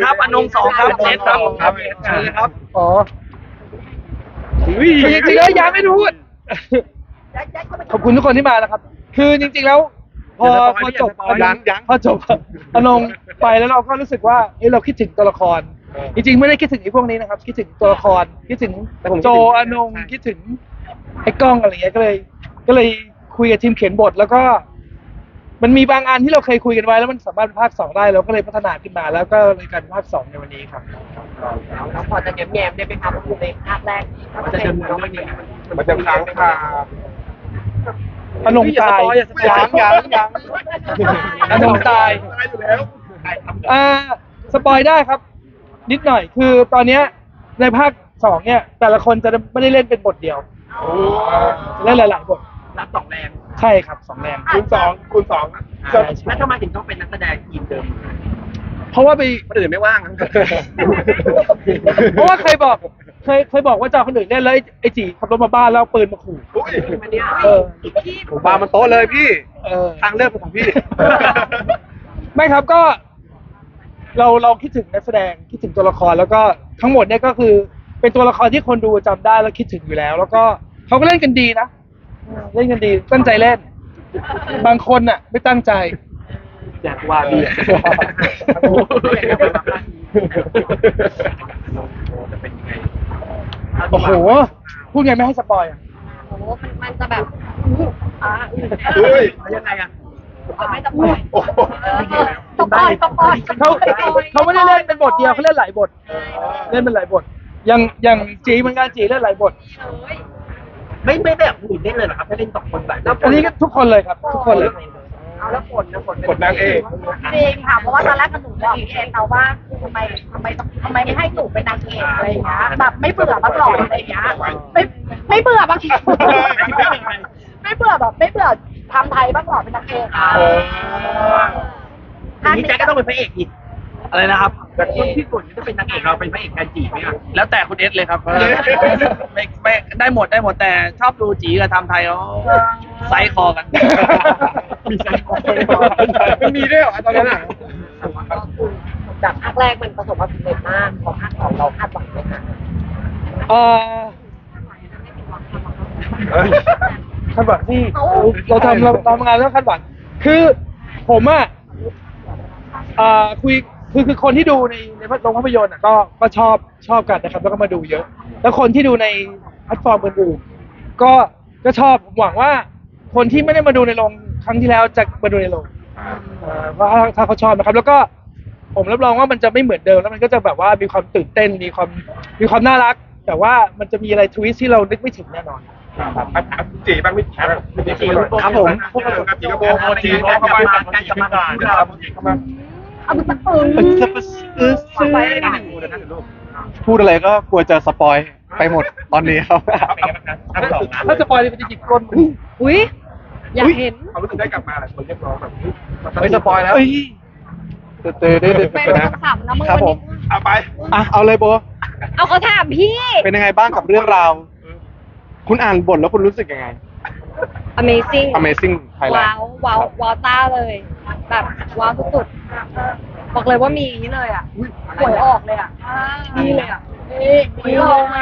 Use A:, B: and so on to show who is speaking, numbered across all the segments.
A: ครับอนง2ครับเนทครับเชิญเลยครับ
B: อ๋อจริงๆแล้วยังไม่รู้ขอบคุณทุกคนที่มานะครับ คือจริงๆแล้วพอจบพอจบอนงไปแล้วเราก็รู้สึกว่าเราคิดถึงตัวละครจริงๆไม่ได้คิดถึงไอ้พวกนี้นะครับคิดถึงตัวละครคิดถึงโจอนงคิดถึงไอ้กล้องอะไรเงี้ยก็เลยคุยกับทีมเขียนบทแล้วก็มันมีบางอันที่เราเคยคุยกันไว้แล้วมันสามารถเป็นภาค2ได้เราก็เลยพัฒนาขึ้นมาแล้วก็เลยกลายเป็นภาค2ในวันนี้ครับ
C: แล้วพอจะแง้มๆได้ไหมครับในภาคแรกมันจะเป็นน้องมัน
D: มันจะค้างคา
B: อนงตาย
D: ยัง
B: อนงตาย
D: อยู่แล้ว
B: สปอยได้ครับ นิดหน่อยคือตอนเนี้ยในภาค2เนี่ยแต่ละคนจะไม่ได้เล่นเป็นบทเดียวจะเล่นหลายๆบท
A: รับ2แรง
B: ใช่ครับ2แรง
D: คูณ2
A: แล้วทำไมถึงต้องเป็นนักแสดงทีมเดิม
B: เพราะว่า
A: คนอื่นไม่ว่าง
B: เพราะว่าเคยบอกว่าจะคนอื่นเล่นแล้วไอ้จีขับรถมาบ้านแล้วปืนมาขู่
D: ผมปามันโต๊ะเลยพี่ทางเลือกเป็นของพี่
B: ไม่ครับก็เราคิดถึงนักแสดงคิดถึงตัวละครแล้วก็ทั้งหมดเนี่ยก็คือเป็นตัวละครที่คนดูจำได้แล้วคิดถึงอยู่แล้วแล้วก็เขาก็เล่นกันดีนะเล่นกันดีตั้งใจเล่นบางคนน่ะไม่ตั้งใจ
A: อยากว่าดี
B: โอ้โหพูดไงไม่ให้สปอยอ่ะ
C: โอ้มันจะแบบ
A: ยังไงอ่ะ
C: ไม่สปอยสปอย
B: เขาไม่ได้เล่นเป็นบทเดียวเขาเล่นหลายบทเล่นเป็นหลายบทอย่างจีเหมือนกันจีเล่นหลายบท
A: ไม่แบบหุ่นเล่นเลยหรอครับแค่เล่น2 คนแบบ
B: อันนี้ก็ทุกคนเลยครับทุกคนเลย
C: เอาแล้วผล
D: นางเอก
C: จริงค่ะเพราะว่าตอนแรกหนูบอกพี่เองเราว่าทำไมไม่ให้หนูเป็นนางเอกอะไรอย่างเงี้ยแบบไม่เบื่อบ้างหรออะไรอย่างเงี้ยไม่เบื่อบางทีไม่เบื่อแบบไม่เบื่อทำไทยบ้างหรอเป็นนางเอก
A: นี่แจ๊คก็ต้องเป็นพระเอกอีกอะไรนะครับแต่คนที่สุดจะเป็นนางเอกเราเป็นพระเอกแทนจีไหมครับแล้วแต่คุณเอสเลยครับไม่ได้หมดแต่ชอบดูจีกับทำไทยเขาไซคอกัน
D: มีไซคอมันมีด้วยเหรอตอนนั้นอ่ะ
C: จากภาคแรกมันประสบความสำเร็จมากพอภาค2เราคาดหวังไหมคะ
B: คาดหวังที่เราทำงานแล้วคาดหวังคือผมคือคนที่ดูในโรงภาพยนตร์ก็ชอบกันนะครับแล้วก็มาดูเยอะแล้วคนที่ดูในแพลตฟอร์มอื่นๆก็ชอบผมหวังว่าคนที่ไม่ได้มาดูในโรงครั้งที่แล้วจะมาดูในโรงเพราะถ้าเขาชอบนะครับแล้วก็ผมรับรองว่ามันจะไม่เหมือนเดิมแล้วมันก็จะแบบว่ามีความตื่นเต้นมีความน่ารักแต่ว่ามันจะมีอะไรทวิสต์ที่เรานึกไม่ถึงแน่นอน
D: จีบ้างไม่จี
B: ครับผม
D: จีกระโปรงจีเข้ามาการกลับมา
C: เอาสักปืน
E: พูดอะไรก็กลัวจะสปอยไปหมดตอนนี้ครับ
B: ถ้าสปอยเลยมันจะจิกก้น
C: อุ้ยอยากเห็น
D: เขารู้สึกได้กลับมาหลายคนเรียกร้องแบบ
E: ไม่สปอยแล้ว
C: เป็นคำถามนะมึงวันนี้
D: เอาไป
E: เอาเลยโบ
C: เอาเขาถามพี่
E: เป็นยังไงบ้างกับเรื่องราวคุณอ่านบทแล้วคุณรู้สึกยังไง Amazing Thailand
C: ว้าวต้าเลยแบบว้าวสุดๆบอกเลยว่ามีอย่างนี้เลยหวยออกเลยนี่เลยนี่ออก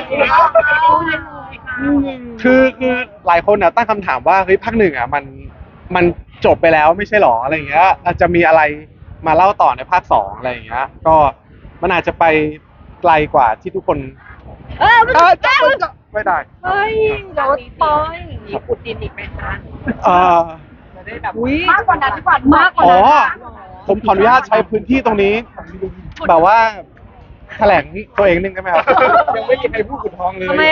E: คือหลายคนตั้งคำถามว่าเฮ้ยภาค 1มันจบไปแล้วไม่ใช่หรออะไรอย่างเงี้ยอาจจะมีอะไรมาเล่าต่อในภาค 2อะไรอย่างเงี้ยก็มันอาจจะไปไกลกว่าที่ทุกคนไม่ได้
C: เฮ้ยเดี๋ยวปอยมีขุดดินอีกไหมคะจะได้แบบมากกว่านั้นดีกว่ามากกว่านั้น
E: ผมขออนุญาตใช้พื้นที่ตรงนี้แบบว่าแถลงตัวเองนึงได้ไหมครับ
D: ยังไม่มีใครพูดขุดทองเลย
C: ทำไม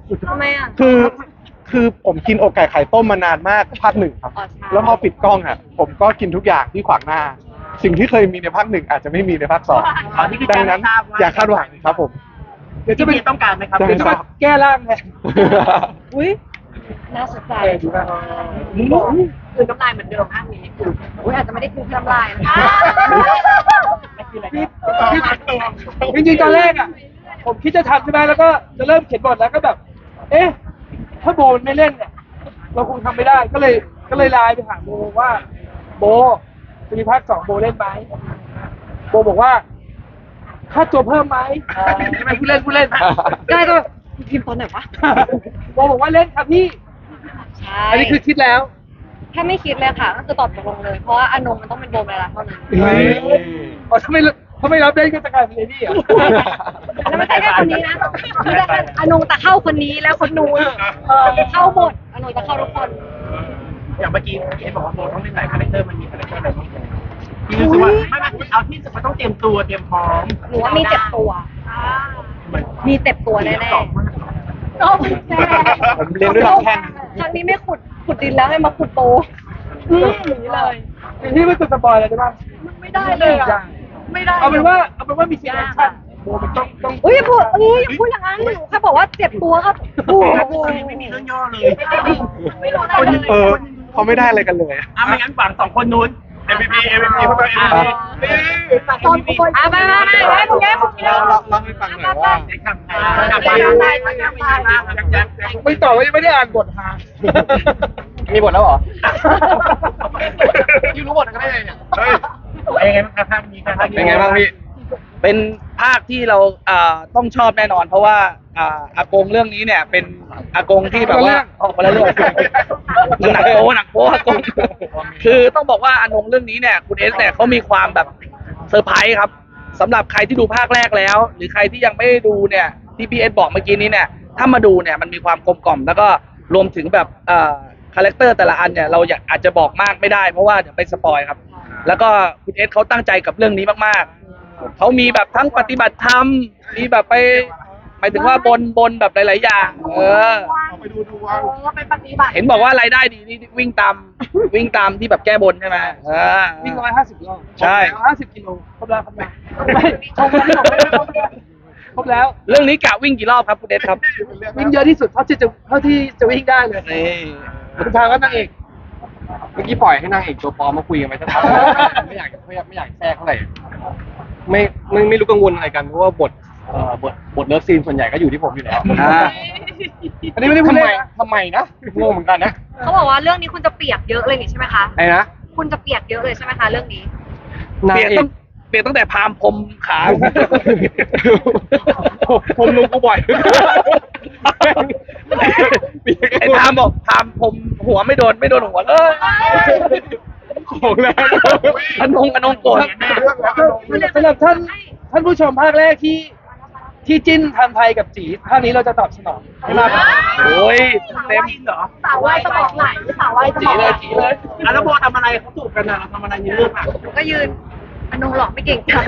E: คือผมกินอกไก่ไข่ต้มมานานมากภาค 1ครับแล้วพอปิดกล้องผมก็กินทุกอย่างที่ขวางหน้าสิ่งที่เคยมีในภาค 1อาจจะไม่มีในภาค 2ดังนั้นอย่าคาดหวังครับผม
A: เดี๋ยวจะเป็นต้องการไหมครับ
B: เดี๋ยวจะแก้ร่างไง
C: อุ้ยน่าสนใจคือน้ำลายเหมือนเดิมภาคนี้อาจจะไม่ได้คือน้ำลายนะ
B: จริงๆตอนแรกผมคิดจะทำใช่ไหมแล้วก็จะเริ่มเขียนบทแล้วก็แบบถ้าโบไม่เล่นเนี่ยเราคงทำไม่ได้ก็เลยไลน์ไปหาโบว่าโบจะมีภาค 2โบเล่นไหมโบบอกว่าค่าตัวเพิ่มไหมไม่พูดเล่นได้ก็พิมพ์ตอนไหนวะบอกว่าเล่นครับพี่
F: ใช่
B: อันนี้คือคิดแล้ว
F: ถ้าไม่คิดเลยค่ะก็คือตอบตกลงเลย เพราะว่าอนงมันต้องเป็นโบเวลาเท่านั้น
B: อ๋อถ้าไม่รับเล่นก็จะกลายเป็นเลดี้อ่ะ
F: แล้วไม่ใช่แค่คนนี้นะไม่ใช่แค่อนงแต่เข้าคนนี้แล้วคนนู้นเข้าหมดอนงจะเข้าทุกคน
A: อย่างเมื่อกี้พี่เอบอกว่าโบต้องเล่นหลายคาแรคเตอร์มันมีคาแรคเตอร์อะไรบ้างพี่รู้สึกว่าไม่เอาที่สุดมันต้องเตรียมตัวเตรียมพร้อม
F: หนูว่ามีเจ็บตัว มีเจ็บตัวแน่ๆ
E: ผมเรียนด้วยลำแข้ง
F: ครั้งนี้ไม่ขุดดินแล้วให้มาขุดโตอย่างนี้เลย
B: พี่ไม่ตัวสปอยเลยได้ป่ะ
C: ไม่ได้เลยอ่ะไม่ได้
B: เอาเป็นว่ามีซีนแอคชั่นโบมันต้อง
F: อุ้ยอย่าพูดอย่างนั้นหนูแค่บอกว่าเจ็บตัวครับโอ้โห
A: ไม่มีเรื่องย่อเลย
C: ไม่รู้อะไรเลย
E: เขาไม่ได้อะไรกันเลยอะ
A: ไม่งั้นฝั่งสองคนนู้น MVP เข้าไป
C: ตอนคน
F: มาได้ผมแย่ผมแย่
E: เล่าให้ฟังหน่อยว่า
B: ไม่ต่อว่ายังไม่ได้อ่านบทฮะ
E: มีบทแล้วเหรอ
A: ยูรู้หมดกันได้ไงเนี่ยเป็นไงบ้างครับภาคนี้ครับ
E: เป็นไงบ้างพี่
A: เป็นภาคที่เราต้องชอบแน่นอน เพราะว่าอากงเรื่องนี้เนี่ยเป็นอากงที่แบบว่าออกมาแล้วเรื่องหนักโป๊อากงคือต้องบอกว่าอานงเรื่องนี้เนี่ยคุณเอสเนี่ยเขามีความแบบเซอร์ไพรส์ครับสำหรับใครที่ดูภาคแรกแล้ว หรือใครที่ยังไม่ได้ดูเนี่ยที่พี่เอสบอกเมื่อกี้นี้เนี่ยถ้ามาดูเนี่ยมันมีความกลมกล่อมแล้วก็รวมถึงแบบคาแรคเตอร์แต่ละอันเนี่ยเราอาจจะบอกมากไม่ได้เพราะว่าเดี๋ยวไปสปอยครับแล้วก็คุณเอสเขาตั้งใจกับเรื่องนี้มากๆเขามีแบบทั้งปฏิบัติธรรมมีแบบไปหมายถึงว่าบนแบบหลายๆอย่าง
C: ไปดูว่าไปปฏิบัติ
A: เห็นบอกว่ารายได้ดีนี่วิ่งตามที่แบบแก้บนใช่ไหม
B: วิ่ง150 รอบ
A: ใช่
B: 150 กิโลครบแล้วครับไม่ชมครบแล้ว
A: เรื่องนี้กะวิ่งกี่รอบครับคุณเดชครับ
B: วิ่งเยอะที่สุดเท่าที่จะวิ่งได้เลย
A: นี่
B: คุณทางก็นางเอก
E: เมื่อกี้ปล่อยให้นางเอกตัวปลอมมาคุยกันไปสักพักไม่อยากแทรกเท่าไหร่ไม่รู้กังวลอะไรกันเพราะว่าบทเลิฟซีนส่วนใหญ่ก็อยู่ที่ผมอยู่แล้ว
B: อันนี้ไม่ได้พูดเล่นนะ
E: ทำไมนะงงเหมือนกันนะ
F: เขาบอกว่าเรื่องนี้คุณจะเปียกเยอะเลยนี่ใช่ไหมคะ
E: ไอ้นะ
F: คุณจะเปียกเยอะเลยใช่ไหมคะเรื่องนี้
E: นาง
A: เปลี่ยน
E: เอ
A: ต้อก งเปลี่ยนตั้งแต่พามพรมขา
E: ผมลุงกูบ่อย
A: ไอ้พามบอกพามพรมหัวไม่โดนหัว
E: ของแรง
A: อนงโกรธ
B: สำหรับท่านผู้ชมภาคแรกที่จิ้นทำไทยกับจีภาคนี้เราจะตอบสนองให้มากครับ
A: โอ้ยเต็มเหรอ
C: สาววายสมองไหลสาววายสมองไหล
A: แล้วโบทำอะไรเขาถูกกันนะเราทำอะไรในเรื่องอ่ะ
F: หนูก็ยืนอนงหลอกไม่เก่งค่ะ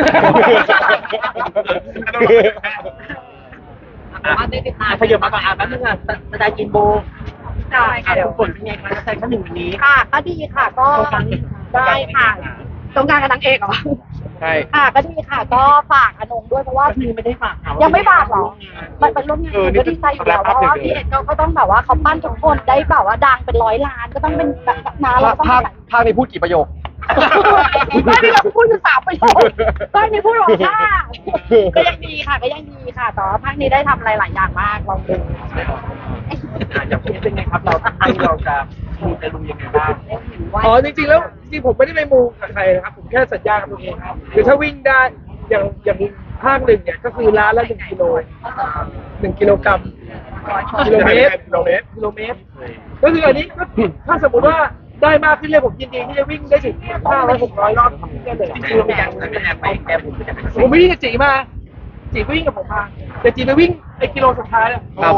F: มาได้ติดตาม
A: ขยับมาก่อนแป๊บนึงอ่ะสไตล์กินโบ
F: ได้ค่ะเดี๋ยว
A: ผลเป็นไงคะสไตล์ขั้นหนึ่งวันนี้
C: ค่ะก็ดีค่ะก็ได้ค่ะตรงกลางกับนางเอกเหรอ
E: ใช่
C: ค่ะก็ดีค่ะก็ฝากอนงด้วยเพราะว่า
A: พี่ไม่ได้ฝากเขา
C: ยังไม่ฝากหรอมันเป็นร่วมงานก็ดีใจอยู่แล้วเพราะว่าพี่เอ็ดก็ต้องแบบว่าเขาปั้นทุกคนได้แบบว่าดังเป็น100 ล้านก็ต้องเป็นแบบนาเราต้อง
E: ภาคนี้พูดกี่ประโยค
C: ไม่ได้เราพูดอยู่3 ประโยคไม่ได้พูดหรอกค่ะก็ยังดีค่ะแต่ว่าภาคนี้ได้ทำอะไรหลายอย่างมากลองดู
A: อย่างพี่เป็นไงครับเราจะมูเตลูยังไงบ้าง
B: อ๋อจริงๆแล้วผมไม่ได้ไปมูกับใครนะครับผมแค่สัญญากับตัวเองครับคือถ้าวิ่งได้อย่างภาคหนึ่งเนี่ยก็คือล้านละ1 กิโล 1 กิโลกรัมกิโลเมตร ก็คืออันนี้ก็ถ้าสมมติว่าได้มากขึ้นเลยผมยินดีที่จะวิ่งได้ถึง500 600 รอบได้เลย
A: คือเรามีการไปแก้บุญจะเป็น
B: ผมวิ่งกับจีมาจีก็วิ่งกับผมมาแต่จีไปวิ่งไอ้กิโลสุดท้ายเนี่ย
E: ครับ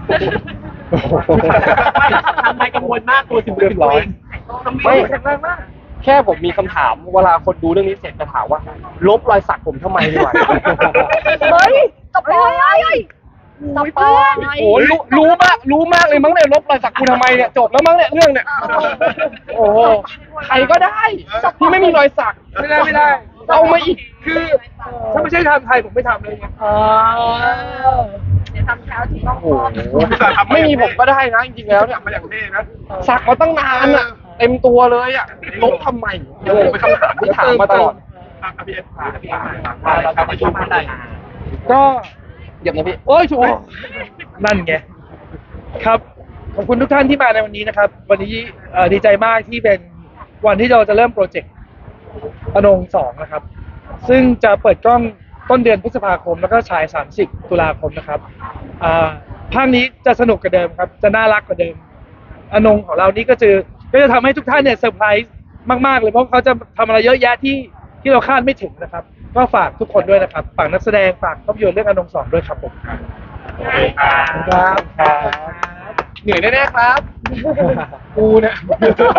A: ทำไมกังวลมากตัวถึง
E: เรียบร้อย
B: ไม่แข็งแรงมาก
E: แค่ผมมีคำถามเวลาคนดูเรื่องนี้เสร็จจะถามว่า ลบรอยสักผมทำไมดีกว่า
C: เฮ้ยสปอยสปอย
E: โอ้รู้มากเลยมั้งเนี่ยลบรอยสักกูทำไมเนี่ยจบแล้วมั้งเนี่ยเรื่องเนี่ยโอ้โหใครก็ได้ที่ไม่มีรอยสัก
B: ไม่ได้เอามาอีกคือถ้าไม่ใช่ทำไทยผมไม่ทำเลยไง
C: เดี๋ยวทำเช้าถึงต้อง
E: โอ้โหไม่มีผมก็ได้นะจริงๆแล้วเนี่ยมาอย่างนี้นะสักมาตั้งนานอ่ะเต็มตัวเลยอ่ะลบทำไมเป็นคำถามที่ถามมาตลอด
A: เราจะประชุมกันได้
B: ก็
E: เดี๋ยวนะพี่
B: โอ้ยถูกนั่นไงครับขอบคุณทุกท่านที่มาในวันนี้นะครับ วันนี้ดีใจมากที่เป็นวันที่เราจะเริ่มโปรเจกต์อนง2นะครับ ซึ่งจะเปิดกล้องต้นเดือนพฤษภาคมแล้วก็ฉาย30ตุลาคมนะครับภาคนี้จะสนุกกว่าเดิมครับจะน่ารักกว่าเดิมอนงของเรานี่ก็จะทำให้ทุกท่านเนี่ยเซอร์ไพรส์มากๆเลยเพราะเขาจะทำอะไรเยอะแยะที่เราคาดไม่ถึงนะครับก็ฝากทุกคนด้วยนะครับฝากนักแสดงฝากภาพยนตร์เรื่องอนง2ด้วยครับผมครับ
D: เหนื่อยแน่ๆครับ
B: กูเนี่ย